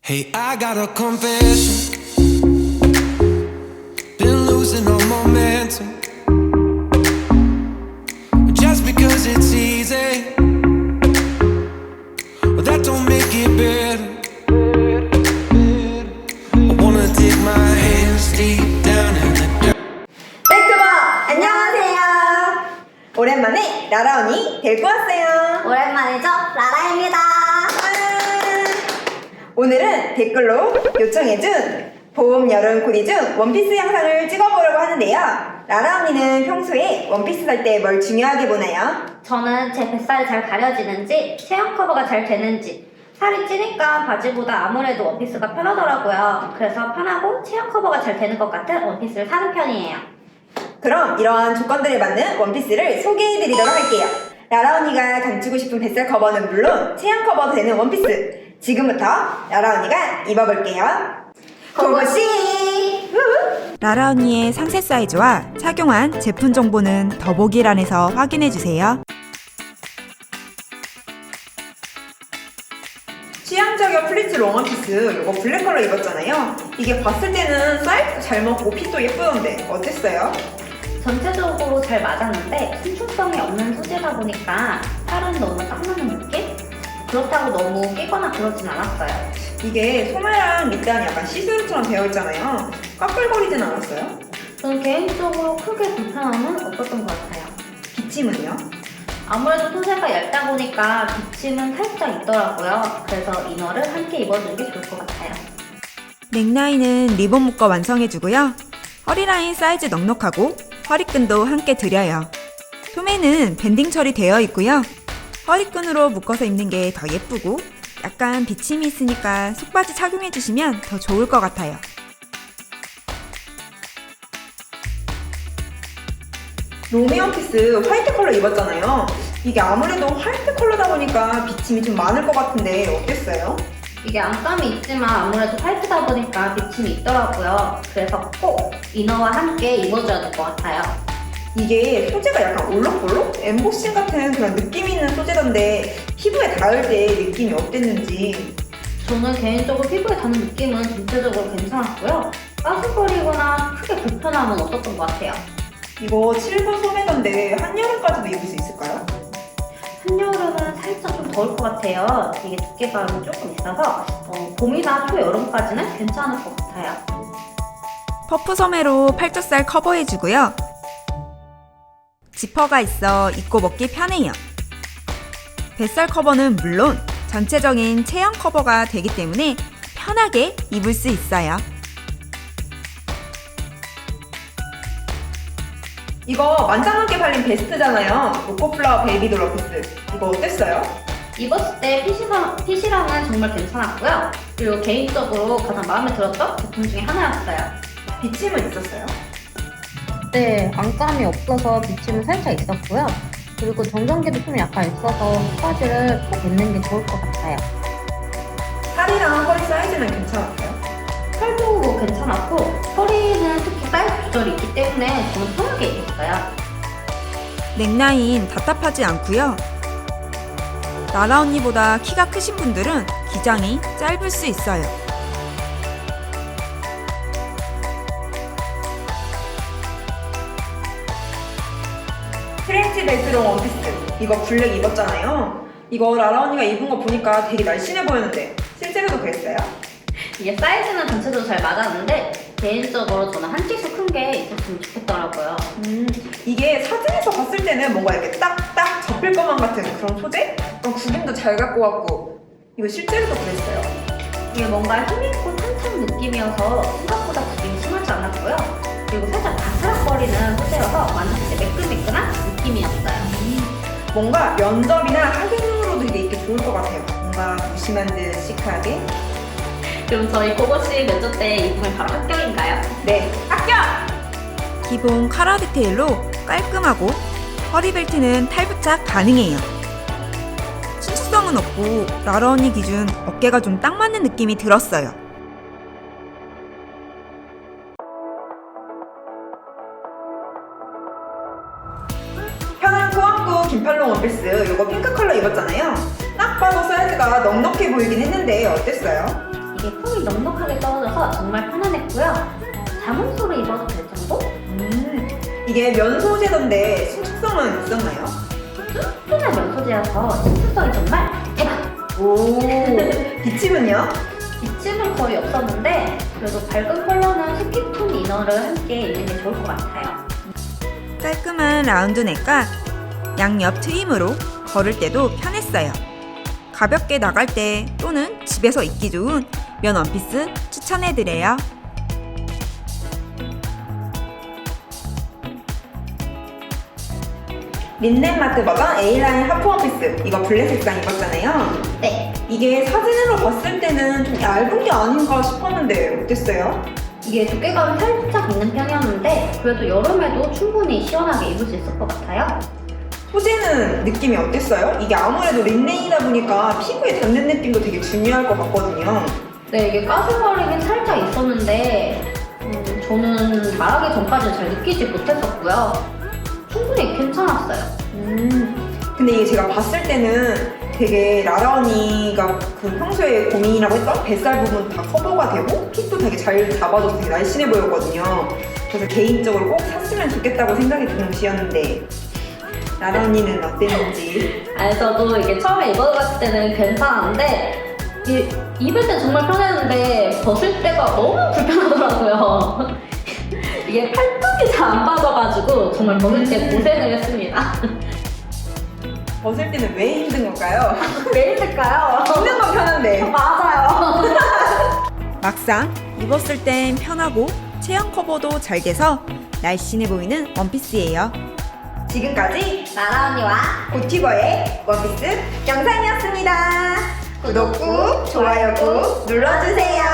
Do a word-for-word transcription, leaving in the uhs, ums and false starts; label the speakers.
Speaker 1: Hey, I got a confession. Been losing all momentum. Just because it's easy, well, that don't make it better. I wanna dig my hands deep down in the dirt.
Speaker 2: 백투버 안녕하세요. 오랜만에 라라 언니 데리고 왔어요.
Speaker 3: 오랜만이죠? 라라입니다.
Speaker 2: 오늘은 댓글로 요청해준 봄, 여름 코디 중 원피스 영상을 찍어보려고 하는데요. 라라 언니는 평소에 원피스 살 때 뭘 중요하게 보나요?
Speaker 3: 저는 제 뱃살이 잘 가려지는지, 체형 커버가 잘 되는지. 살이 찌니까 바지보다 아무래도 원피스가 편하더라고요. 그래서 편하고 체형 커버가 잘 되는 것 같은 원피스를 사는 편이에요.
Speaker 2: 그럼 이러한 조건들에 맞는 원피스를 소개해드리도록 할게요. 라라 언니가 감추고 싶은 뱃살 커버는 물론 체형 커버도 되는 원피스. 지금부터 라라 언니가 입어볼게요. 고고씨!
Speaker 4: 라라 언니의 상세 사이즈와 착용한 제품 정보는 더보기란에서 확인해주세요.
Speaker 2: 취향 저격 플리츠 롱 원피스 이거 블랙 컬러 입었잖아요. 이게 봤을 때는 사이즈도 잘 먹고 핏도 예쁘던데 어땠어요?
Speaker 3: 전체적으로 잘 맞았는데 신축성이 없는 소재다 보니까 살은 너무 딱 맞는 느낌? 그렇다고 너무 끼거나 그러진 않았어요.
Speaker 2: 이게 소매랑 밑단이 약간 시스루처럼 되어 있잖아요. 까끌거리진 않았어요?
Speaker 3: 저는 개인적으로 크게 불편함은 없었던 것 같아요.
Speaker 2: 기침은요?
Speaker 3: 아무래도 소재가 얇다 보니까 기침은 살짝 있더라고요. 그래서 이너를 함께 입어주는 게 좋을 것 같아요.
Speaker 4: 넥라인은 리본 묶어 완성해주고요. 허리라인 사이즈 넉넉하고 허리끈도 함께 드려요. 소매는 밴딩 처리되어 있고요. 허리끈으로 묶어서 입는 게 더 예쁘고 약간 비침이 있으니까 속바지 착용해주시면 더 좋을 것 같아요.
Speaker 2: 롱미 원피스 화이트 컬러 입었잖아요. 이게 아무래도 화이트 컬러다 보니까 비침이 좀 많을 것 같은데 어땠어요?
Speaker 3: 이게 안감이 있지만 아무래도 화이트다 보니까 비침이 있더라고요. 그래서 꼭 이너와 함께 입어줘야 될 것 같아요.
Speaker 2: 이게 소재가 약간 올록볼록? 엠보싱 같은 그런 느낌 있는 소재던데 피부에 닿을 때 느낌이 어땠는지.
Speaker 3: 저는 개인적으로 피부에 닿는 느낌은 전체적으로 괜찮았고요. 빠슬거리거나 크게 불편함은 없었던 것 같아요.
Speaker 2: 이거 칠 분 소매던데 한여름까지도 입을 수 있을까요?
Speaker 3: 한여름은 살짝 좀 더울 것 같아요. 이게 두께감이 조금 있어서 어, 봄이나 초여름까지는 괜찮을 것 같아요.
Speaker 4: 퍼프 소매로 팔뚝살 커버해주고요. 지퍼가 있어 입고 먹기 편해요. 뱃살 커버는 물론 전체적인 체형 커버가 되기 때문에 편하게 입을 수 있어요.
Speaker 2: 이거 만장하게 팔린 베스트잖아요. 로코플라워 베이비돌 원피스. 이거 어땠어요?
Speaker 3: 입었을 때 핏이랑, 핏이랑은 정말 괜찮았고요. 그리고 개인적으로 가장 마음에 들었던 제품 중에 하나였어요.
Speaker 2: 비침은 있었어요?
Speaker 3: 네, 안감이 없어서 비침은 살짝 있었고요. 그리고 정전기도 좀 약간 있어서 속바지를 꼭 입는 게 좋을 것 같아요.
Speaker 2: 살이랑 허리 사이즈는 괜찮았어요?
Speaker 3: 팔도 뭐 괜찮았고 허리는 특히 사이즈 조절이 있기 때문에 저는 편하게 입었어요.
Speaker 4: 넥라인 답답하지 않고요. 라라 언니보다 키가 크신 분들은 기장이 짧을 수 있어요.
Speaker 2: 프렌치 베이스롱 원피스. 이거 블랙 입었잖아요. 이거 라라 언니가 입은 거 보니까 되게 날씬해 보였는데 실제로도 그랬어요?
Speaker 3: 이게 사이즈는 전체적으로 잘 맞았는데 개인적으로 저는 한 틱수 큰 게 있었으면 좋겠더라고요.
Speaker 2: 음, 이게 사진에서 봤을 때는 뭔가 이렇게 딱딱 접힐 것만 같은 그런 소재? 어, 구김도 잘 갖고 왔고 이거 실제로도 그랬어요.
Speaker 3: 이게 뭔가 힘있고 탄탄 느낌이어서 생각보다 구김이 심하지 않았고요. 그리고 살짝 바스락거리는 소재여서 만졌을 때 매끈매끈한 느낌이었어요.
Speaker 2: 뭔가 면접이나 하객용으로도 이게 입기 좋을 것 같아요. 뭔가 무심한 듯 시크하게.
Speaker 3: 그럼 저희 고고씨 면접 때 입으면 바로 합격인가요?
Speaker 2: 네, 합격!
Speaker 4: 기본 카라 디테일로 깔끔하고 허리벨트는 탈부착 가능해요. 신축성은 없고 라라 언니 기준 어깨가 좀 딱 맞는 느낌이 들었어요.
Speaker 2: 편한 코안구 긴팔롱 원피스 이거 핑크 컬러 입었잖아요. 딱 봐도 사이즈가 넉넉해 보이긴 했는데 어땠어요?
Speaker 3: 이게 폼이 넉넉하게 떨어져서 정말 편안했고요. 자몽소로 입어도 될 정도?
Speaker 2: 음, 이게 면 소재던데 신축성은 있었나요?
Speaker 3: 튼튼한 면 소재여서 신축성이 정말 대박!
Speaker 2: 오, 비침은요?
Speaker 3: 기침은 거의 없었는데 그래도 밝은 컬러는 스킨톤 이너를 함께 입는 게 좋을 것 같아요.
Speaker 4: 깔끔한 라운드 넥과 양옆 트임으로 걸을 때도 편했어요. 가볍게 나갈 때 또는 집에서 입기 좋은 면 원피스 추천해드려요.
Speaker 2: 린넨마트 버전 A라인 하프 원피스, 이거 블랙 색상 입었잖아요.
Speaker 3: 네,
Speaker 2: 이게 사진으로 봤을 때는 좀 얇은 게 아닌가 싶었는데 어땠어요?
Speaker 3: 이게 두께감이 살짝 있는 편이었는데 그래도 여름에도 충분히 시원하게 입을 수 있을 것 같아요.
Speaker 2: 소재는 느낌이 어땠어요? 이게 아무래도 린넨이다 보니까 피부에 닿는 느낌도 되게 중요할 것 같거든요.
Speaker 3: 네, 이게 까슬거리긴 살짝 있었는데 음, 저는 말하기 전까지는 잘 느끼지 못했었고요. 충분히 괜찮았어요.
Speaker 2: 음, 근데 이게 제가 봤을 때는 되게 라라 언니가 그 평소에 고민이라고 했던 뱃살 부분 다 커버가 되고 핏도 되게 잘 잡아줘서 되게 날씬해 보였거든요. 그래서 개인적으로 꼭 샀으면 좋겠다고 생각이 드는 옷이었는데 라라 언니는 어땠는지.
Speaker 3: 아니, 저도 이게 처음에 입어봤을 때는 괜찮았는데 이, 입을 때 정말 편했는데 벗을 때가 너무 불편하더라고요. 이게 팔뚝이 잘 안 빠져가지고 정말 벗을 때 고생을 했습니다.
Speaker 2: 벗을 때는 왜 힘든 걸까요?
Speaker 3: 왜 힘들까요?
Speaker 2: 입는 건 편한데.
Speaker 3: 맞아요.
Speaker 4: 막상 입었을 땐 편하고 체형 커버도 잘 돼서 날씬해 보이는 원피스예요.
Speaker 2: 지금까지
Speaker 3: 나라 언니와
Speaker 2: 고티버의 원피스 영상이었습니다. 구독 꾹, 좋아요 꾹 눌러주세요.